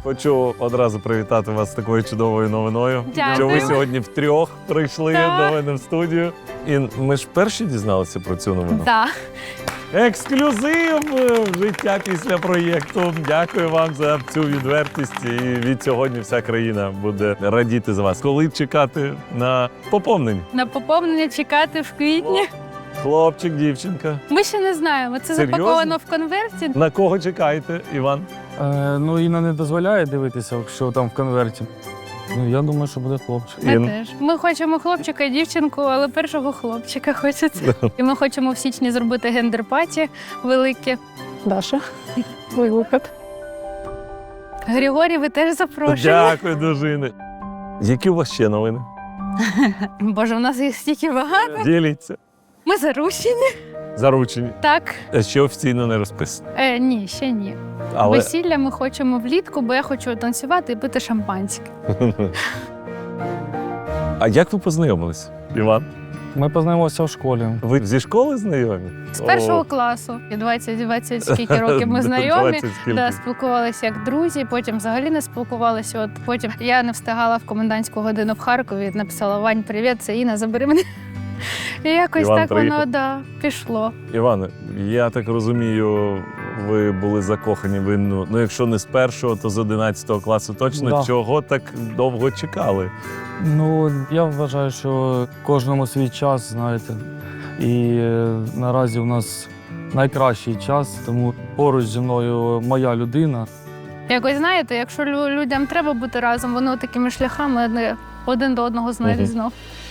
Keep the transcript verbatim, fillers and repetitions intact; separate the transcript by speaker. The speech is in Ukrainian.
Speaker 1: Хочу одразу привітати вас з такою чудовою новиною.
Speaker 2: Дякую.
Speaker 1: Що ви сьогодні втрьох прийшли
Speaker 2: Так.
Speaker 1: до мене в студію. І ми ж перші дізналися про цю новину.
Speaker 2: Да.
Speaker 1: Ексклюзив в життя після проєкту. Дякую вам за цю відвертість. І від сьогодні вся країна буде радіти за вас. Коли чекати на поповнення?
Speaker 2: На поповнення чекати в квітні.
Speaker 1: Хлопчик, дівчинка.
Speaker 2: Ми ще не знаємо. Це
Speaker 1: Серйозно?
Speaker 2: запаковано в конверті.
Speaker 1: На кого чекаєте, Іван?
Speaker 3: Е, ну, Інна не дозволяє дивитися, що там в конверті. Ну, я думаю, що буде хлопчик.
Speaker 2: Ми
Speaker 1: Ін.
Speaker 2: теж. Ми хочемо хлопчика і дівчинку, але першого хлопчика хочеться. І ми хочемо в січні зробити гендер-паті велике.
Speaker 4: Даша, твій вихід.
Speaker 2: Григорій, ви теж запрошені.
Speaker 1: Дякую, дружини. Які у вас ще новини?
Speaker 2: Боже, у нас їх стільки багато.
Speaker 1: Діліться.
Speaker 2: Ми заручені.
Speaker 1: Заручені.
Speaker 2: Так.
Speaker 1: Ще офіційно не розписано.
Speaker 2: Е, ні, ще ні.
Speaker 1: Але
Speaker 2: Весілля ми хочемо влітку, бо я хочу танцювати і пити шампанське.
Speaker 1: а як ви познайомились, Іван?
Speaker 3: Ми познайомилися в школі.
Speaker 1: Ви зі школи знайомі?
Speaker 2: З першого класу. І двадцять двадцять скільки років ми знайомі.
Speaker 1: двадцять скільки.
Speaker 2: Да, спілкувалися як друзі, потім взагалі не спілкувалися. От потім я не встигала в комендантську годину в Харкові, написала: Вань, привіт, це Інна, забери мене. І якось
Speaker 1: Іван
Speaker 2: так
Speaker 1: приїхав.
Speaker 2: воно да, пішло.
Speaker 1: Іване, я так розумію, ви були закохані в Інну, ну якщо не з першого, то з одинадцятого класу точно.
Speaker 3: Да.
Speaker 1: Чого так довго чекали?
Speaker 3: Ну, я вважаю, що кожному свій час, знаєте. І е, наразі у нас найкращий час, тому поруч зі мною моя людина.
Speaker 2: Якось знаєте, якщо лю- людям треба бути разом, вони такими шляхами одне- один до одного знайдуть
Speaker 1: Мгм.
Speaker 2: знов.